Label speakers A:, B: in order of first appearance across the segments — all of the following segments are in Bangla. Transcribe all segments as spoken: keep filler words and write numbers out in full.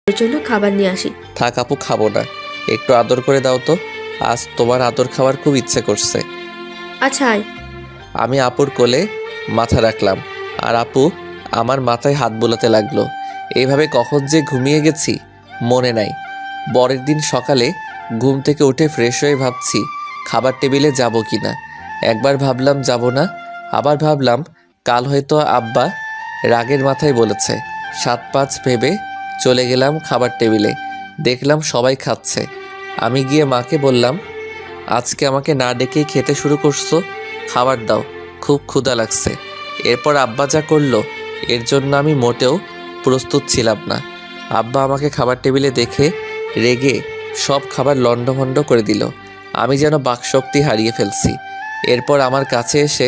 A: এর জন্য খাবার নিয়ে আসি।
B: থাক আপু, খাবো না, একটু আদর করে দাও তো। আজ তোমার আদর খাওয়ার খুব ইচ্ছে করছে।
A: আচ্ছা আয়।
B: আমি আপুর কোলে মাথা রাখলাম আর আপু আমার মাথায় হাত বোলাতে লাগলো। এইভাবে কখন যে ঘুমিয়ে গেছি মনে নাই। পরের দিন সকালে ঘুম থেকে উঠে ফ্রেশ হয়ে ভাবছি খাবার টেবিলে যাব কি না। একবার ভাবলাম যাব না, আবার ভাবলাম কাল হয়তো আব্বা রাগের মাথায় বলেছে। সাত পাঁচ ভেবে চলে গেলাম খাবার টেবিলে। দেখলাম সবাই খাচ্ছে। আমি গিয়ে মাকে বললাম, আজকে আমাকে না ডেকেই খেতে শুরু করছো, খাবার দাও, খুব ক্ষুধা লাগছে। এরপর আব্বা যা করলো এর জন্য আমি মোটেও প্রস্তুত ছিলাম না। আব্বা আমাকে খাবার টেবিলে দেখে রেগে সব খাবার লণ্ডভণ্ড করে দিল। আমি যেন বাকশক্তি হারিয়ে ফেলছি। এরপর আমার কাছে এসে,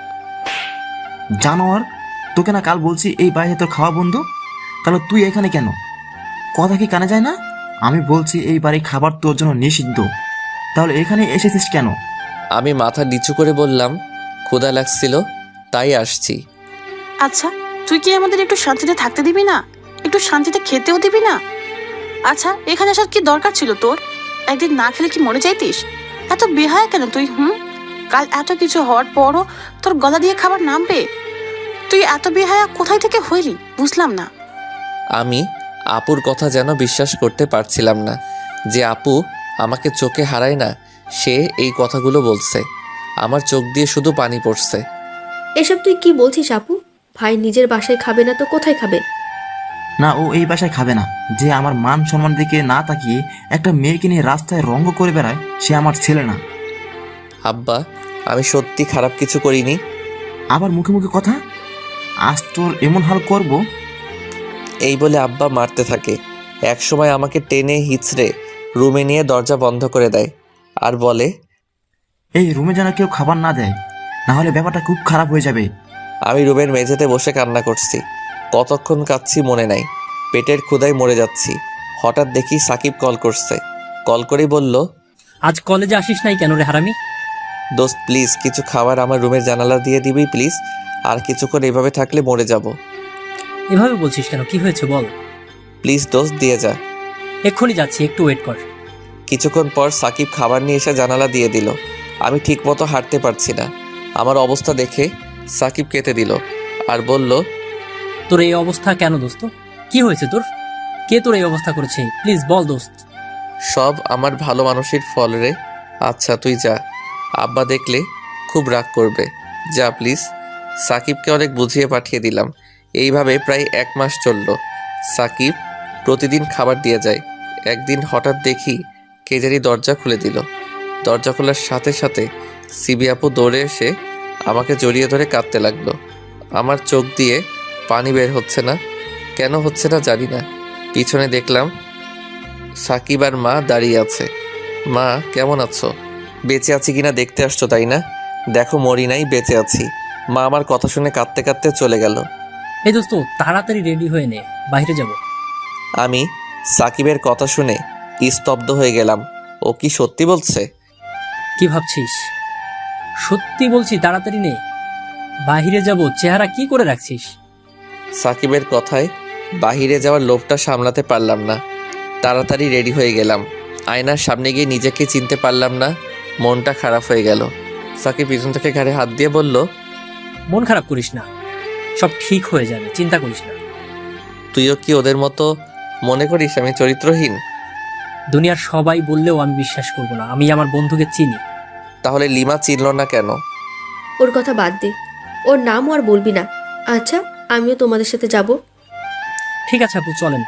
C: জানোয়ার, তোকে না কাল বলছি এই বাইরে তোর খাওয়া বন্ধ, তাহলে তুই এখানে কেন? কথা কি কানে যায় না? আমি বলছি এই বাড়ি খাবার তোর জন্য নিষিদ্ধ, তাহলে এখানে এসেছিস কেন?
B: আমি মাথা নিচু করে বললাম, ক্ষুধা লাগছিল তাই আসছি।
D: আচ্ছা, তুই কি আমাদের একটু শান্তিতে থাকতে দিবি না? একটু শান্তিতে খেতেও দিবি না? আচ্ছা, এখানে আসার কি দরকার ছিল তোর? একদিন না খেলে কি মরে যাইতিস? এত বেহায়া কেন তুই? হুম, কাল এত কিছু হওয়ার পরও তোর গলা দিয়ে খাবার নামবে? তুই এত বেহায়া কোথায় থেকে হইলি বুঝলাম না।
B: আমি আপুর কথা যেন বিশ্বাস করতে পারছিলাম না যে আপু আমাকে চোখে হারায় না, সে এই কথাগুলো বলছে। আমার চোখ দিয়ে শুধু পানি পড়ছে।
A: এসব তুই কি বলছিস আপু? ভাই নিজের বাসায় খাবে না তো কোথায় খাবে?
C: না, ও এই বাসায় খাবে না। যে আমার মান সম্মান দিকে না তাকিয়ে একটা মেয়েকে নিয়ে রাস্তায় রঙ্গ করে বেড়ায়, সে আমার ছেলে না।
B: আব্বা, আমি সত্যি খারাপ কিছু করিনি।
C: আবার মুখে মুখে কথা? আজ তোর এমন হাল করব।
B: এই বলে আব্বা মারতে থাকে। একসময় আমাকে টেনে হিচড়ে রুমে নিয়ে দরজা বন্ধ করে দেয় আর বলে,
C: এই রুমে যেন কেউ খাবার না দেয়, না হলে ব্যাপারটা খুব খারাপ হয়ে যাবে।
B: আমি রুমের মেঝেতে বসে কান্না করছি। কতক্ষণ কাঁদছি মনে নাই, পেটের ক্ষুধায় মরে যাচ্ছি। হঠাৎ দেখি সাকিব কল করছে। কল করেই বলল,
E: আজ কলেজে আসিস নাই কেন রে হারামি?
B: দোস্ত প্লিজ কিছু খাবার আমার রুমের জানালা দিয়ে দিবি প্লিজ, আর কিছুক্ষণ এভাবে থাকলে মরে যাব।
E: এভাবে বলছিস কেন? কি হয়েছে বল।
B: প্লিজ দোস্ত দিয়ে যা।
E: এক্ষুনি যাচ্ছি, একটু ওয়েট কর।
B: কিছুক্ষণ পর সাকিব খাবার নিয়ে এসে জানালা দিয়ে দিল। আমি ঠিকমতো হাঁটতে পারছি না। আমার অবস্থা দেখে সাকিব কেটে দিল আর বলল,
E: তোর এই অবস্থা কেন দোস্ত? কি হয়েছে তোর? কে তোর এই অবস্থা করেছে? প্লিজ বল দোস্ত।
B: সব আমার ভালো মানুষের ফল রে। আচ্ছা তুই যা, আব্বা দেখলে খুব রাগ করবে। যা প্লিজ। সাকিবকে অনেক বুঝিয়ে পাঠিয়ে দিলাম। এইভাবে প্রায় এক মাস চলল। সাকিব প্রতিদিন খাবার দিয়ে যায়। একদিন হঠাৎ দেখি কে জানি দরজা খুলে দিল। দরজা খোলার সাথে সাথে সিবি আপু দৌড়ে এসে আমাকে জড়িয়ে ধরে কাঁদতে লাগলো। আমার চোখ দিয়ে পানি বের হচ্ছে না, কেন হচ্ছে না জানি না। পিছনে দেখলাম সাকিব আর মা দাঁড়িয়ে আছে। মা কেমন আছো? বেঁচে আছি কিনা দেখতে আসছো তাই না? দেখো মরি নাই, বেঁচে আছি। মা আমার কথা শুনে কাঁদতে কাঁদতে চলে গেল।
E: এই দোস্ত তাড়াতাড়ি রেডি হয়ে নে, বাইরে যাব।
B: আমি সাকিবের কথা শুনে স্তব্ধ হয়ে গেলাম। ও কি সত্যি বলছে?
E: কি ভাবছিস? সত্যি বলছি, তাড়াতাড়ি নে, বাইরে যাব। চেহারা কি করে রাখছিস?
B: সাকিবের কথায় বাহিরে যাওয়ার লোভটা সামলাতে পারলাম না। তাড়াতাড়ি রেডি হয়ে গেলাম। আয়নার সামনে গিয়ে নিজেকে চিনতে পারলাম না। মনটা খারাপ হয়ে গেল। সাকিব পিছন থেকে ঘাড়ে হাত দিয়ে বলল,
E: মন খারাপ করিস না, সব ঠিক হয়ে যাবে, চিন্তা করিস না।
B: তুইও কি ওদের মতো মনে করিস আমি চরিত্রহীন?
E: দুনিয়ার সবাই বললেও আমি বিশ্বাস করব না। আমি আমার বন্ধুকে চিনি।
B: তাহলে লিমা চিনল না কেন?
A: ওর কথা বাদ দে, ওর নামও আর বলবি না। আচ্ছা, আমিও তোমাদের সাথে যাব।
E: ঠিক আছে আপু, চলেন।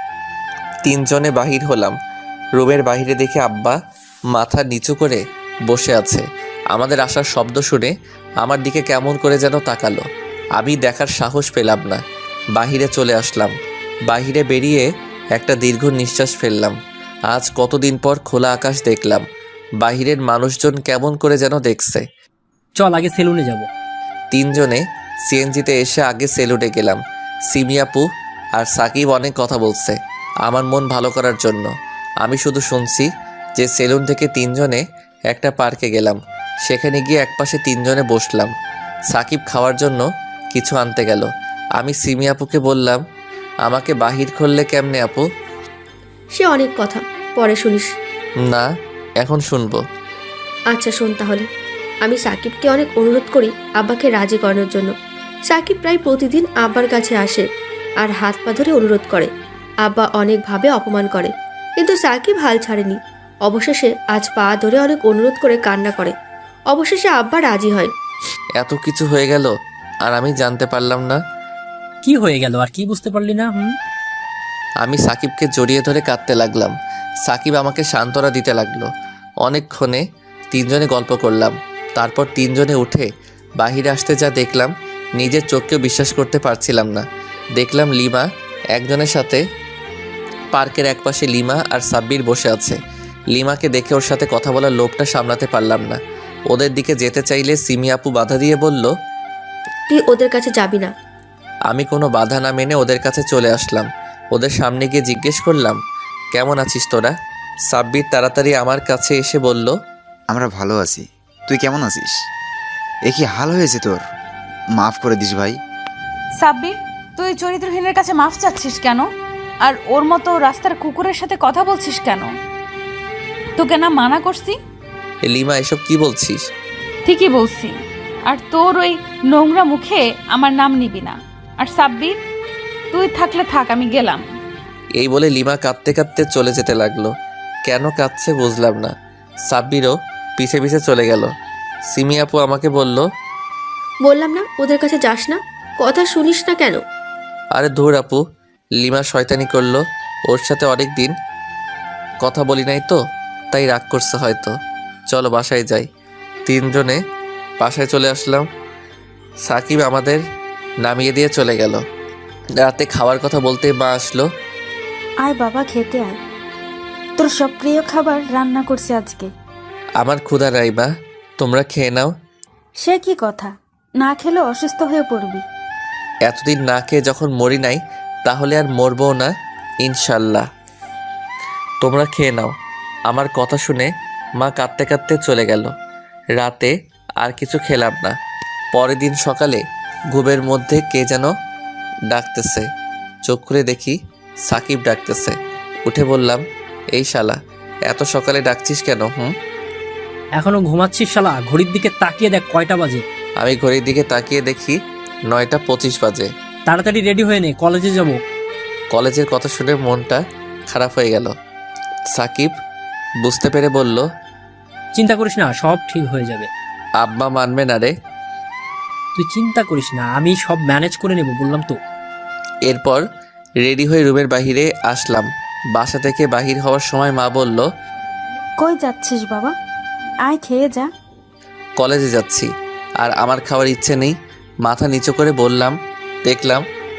B: তিনজনে বাহির হলাম। রুমের বাহিরে দেখে আব্বা মাথা নিচু করে বসে আছে। আমাদের আসার শব্দ শুনে আমার দিকে কেমন করে যেন তাকালো। আমি দেখার সাহস পেলাম না। বাহিরে চলে আসলাম। বাহিরে বেরিয়ে একটা দীর্ঘ নিঃশ্বাস ফেললাম। আজ কতদিন পর খোলা আকাশ দেখলাম। বাহিরের মানুষজন কেমন করে যেন দেখছে।
E: চল আগে সেলুনে যাব।
B: তিনজনে সিএনজিতে এসে আগে সেলুনে গেলাম। সিমিয়াপু আর সাকিব অনেক কথা বলছে আমার মন ভালো করার জন্য। আমি শুধু শুনছি যে সেলুন থেকে তিনজনে একটা পার্কে গেলাম। সেখানে গিয়ে একপাশে তিনজনে বসলাম। সাকিব খাওয়ার জন্য কিছু আনতে গেল। আমি সিমিয়াপুকে বললাম, আমাকে বাহির করলে কেমনে আপু?
A: সে অনেক কথা, পরে শুনিস।
B: না, এখন শুনবো।
A: আচ্ছা শোন তাহলে। আমি সাকিবকে অনেক অনুরোধ করি আব্বাকে রাজি করানোর জন্য। সাকিব প্রায় প্রতিদিন আব্বার কাছে আসে আর হাত পা ধরে অনুরোধ করে। আব্বা অনেকভাবে অপমান করে, কিন্তু সাকিব হাল ছাড়েনি। অবশেষে আজ পা ধরে অনেক অনুরোধ করে কান্না করে। অবশেষে আব্বা রাজি হয়।
B: এত কিছু হয়ে গেল আর আমি জানতে পারলাম না।
E: কি হয়ে গেল আর কি বুঝতে পারলি না? হুম
B: আমি সাকিবকে জড়িয়ে ধরে কাঁদতে লাগলাম। সাকিব আমাকে সান্ত্বনা দিতে লাগলো। অনেকক্ষণে তিনজনে গল্প করলাম। তারপর তিনজনে উঠে বাহিরে আসতে যা দেখলাম, নিজের চোখকেও বিশ্বাস করতে পারছিলাম না। দেখলাম লিমা একজনের সাথে, পার্কের একপাশে লিমা আর সাব্বির বসে আছে। লিমাকে দেখে ওর সাথে কথা বলার লোভটা সামলাতে পারলাম না। ওদের দিকে যেতে চাইলে সিমি আপু বাধা দিয়ে বলল,
A: তুই ওদের কাছে যাবি না।
B: আমি কোনো বাধা না মেনে ওদের কাছে চলে আসলাম। ওদের সামনে গিয়ে জিজ্ঞেস করলাম, কেমন আছিস তোরা? সাব্বির তাড়াতাড়ি আমার কাছে এসে বলল,
F: আমরা ভালো আছি, তুই কেমন আছিস? এ কি হাল হয়েছে তোর? মাফ করে দিস ভাই।
G: সাব্বির, তুই চরিত্রহীনের কাছে মাফ চাচ্ছিস কেন? আর ওর মতো রাস্তার কুকুরের সাথে কথা বলছিস কেন? তোকে না মানা করছি?
B: এ লিমা, এসব কি বলছিস?
G: ঠিকই বলছি। আর তোর ওই নোংরা মুখে আমার নাম নিবি না। আর সাব্বির, তুই থাকলে থাক, আমি গেলাম।
B: এই বলে লিমা কাঁদতে কাঁদতে চলে যেতে লাগলো। কেন কাঁদছে বুঝলাম না। সাব্বিরও পিছে পিছে চলে গেল। সিমি আপু আমাকে বলল,
A: বললাম না ওদের কাছে যাস না, কথা শুনিস না কেন?
B: আরে ধুর আপু, লিমা শয়তানি করলো। ওর সাথে অনেক দিন কথা বলি নাই তো, তাই রাগ করছে হয়তো। চলো বাসায় যাই। তিনজনে বাসায় চলে আসলাম। সাকিব আমাদের নামিয়ে দিয়ে চলে গেল। রাতে খাওয়ার কথা বলতে মা আসলো।
H: আয় বাবা, খেতে আয়, তোর সব প্রিয় খাবার রান্না করছি আজকে।
B: আমার ক্ষুধা নাই মা, তোমরা খেয়ে নাও।
H: সে কি কথা, না খেলে অসুস্থ হয়ে পড়বি।
B: এতদিন না খেয়ে যখন মরি নাই, তাহলে আর মরবও না ইনশাল্লাহ। তোমরা খেয়ে নাও। আমার কথা শুনে মা কাঁদতে কাঁদতে চলে গেল। রাতে আর কিছু খেলাম না। পরের দিন সকালে ঘুমের মধ্যে কে যেন ডাকতেছে। চোখ খুলে দেখি সাকিব ডাকতেছে। উঠে বললাম, এই শালা, এত সকালে ডাকছিস কেন? হুম
E: এখনো ঘুমাচ্ছিস শালা? ঘড়ির দিকে তাকিয়ে দেখ কয়টা বাজে।
B: আমি ঘড়ির দিকে তাকিয়ে দেখি নয়টা পঁচিশ বাজে।
E: তাড়াতাড়ি রেডি হয়ে নে, কলেজে যাব।
B: কলেজের কথা শুনে মনটা খারাপ হয়ে গেল। সাকিব বুঝতে পেরে বলল,
E: চিন্তা করিস না, সব ঠিক হয়ে যাবে।
B: আব্বা মানবে না রে।
E: তুই চিন্তা করিস না, আমি সব ম্যানেজ করে নেব, বললাম তো।
B: এরপর রেডি হয়ে রুমের বাহিরে আসলাম। বাসা থেকে বাহির হওয়ার সময় মা বলল,
H: কই যাচ্ছিস বাবা? আয় খেয়ে যা।
B: কলেজে যাচ্ছি আর আমার খাওয়ার ইচ্ছে নেই। মাথা নিচু করে বললাম। দেখলাম